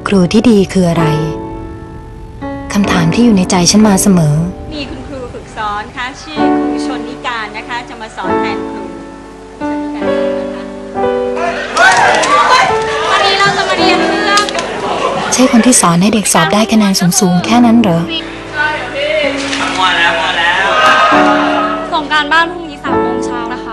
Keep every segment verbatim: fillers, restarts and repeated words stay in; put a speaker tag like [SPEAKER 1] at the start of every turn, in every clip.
[SPEAKER 1] ครูที่ดีคืออะไรคำถามที่อยู่ในใจฉันมาเสมอ
[SPEAKER 2] มีคุณครูฝึกสอนค่ะชื่อครูชนนิการนะคะจะมาสอนแทนครูชนนิการนะคะวันนี้เราจะมาเรียนเรื่อง
[SPEAKER 1] ใช่คนที่สอนให้เด็กสอบได้คะแนนสูงๆแค่นั้นเหรอ
[SPEAKER 3] มัวแล้วมัวแล้ว
[SPEAKER 4] ส่งการบ้านพรุ่งนี้สามโมงเช้านะคะ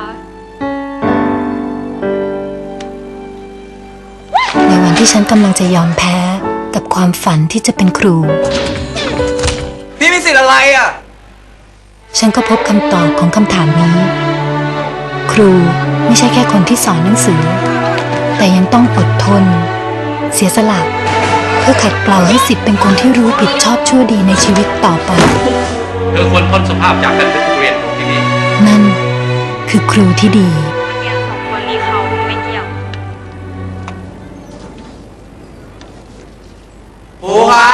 [SPEAKER 1] ในวันที่ฉันกำลังจะยอมแพ้กับความฝันที่จะเป็นครู
[SPEAKER 3] พี่มีสิทธิ์อะไรอ่ะ
[SPEAKER 1] ฉันก็พบคำตอบของคำถามนี้ครูไม่ใช่แค่คนที่สอนหนังสือแต่ยังต้องอดทนเสียสละเพื่อขัดเกลาให้สิทธิ์เป็นคนที่รู้ผิดชอบชั่วดีในชีวิตต่อไป
[SPEAKER 3] เธอควรพ้นสภาพจากการเป็นครูเรียนของที่นี่
[SPEAKER 1] นั่นคือครูที่ดี
[SPEAKER 4] เรียนสองคนนี้เขาไม่เกี่ยว
[SPEAKER 3] ครูครับ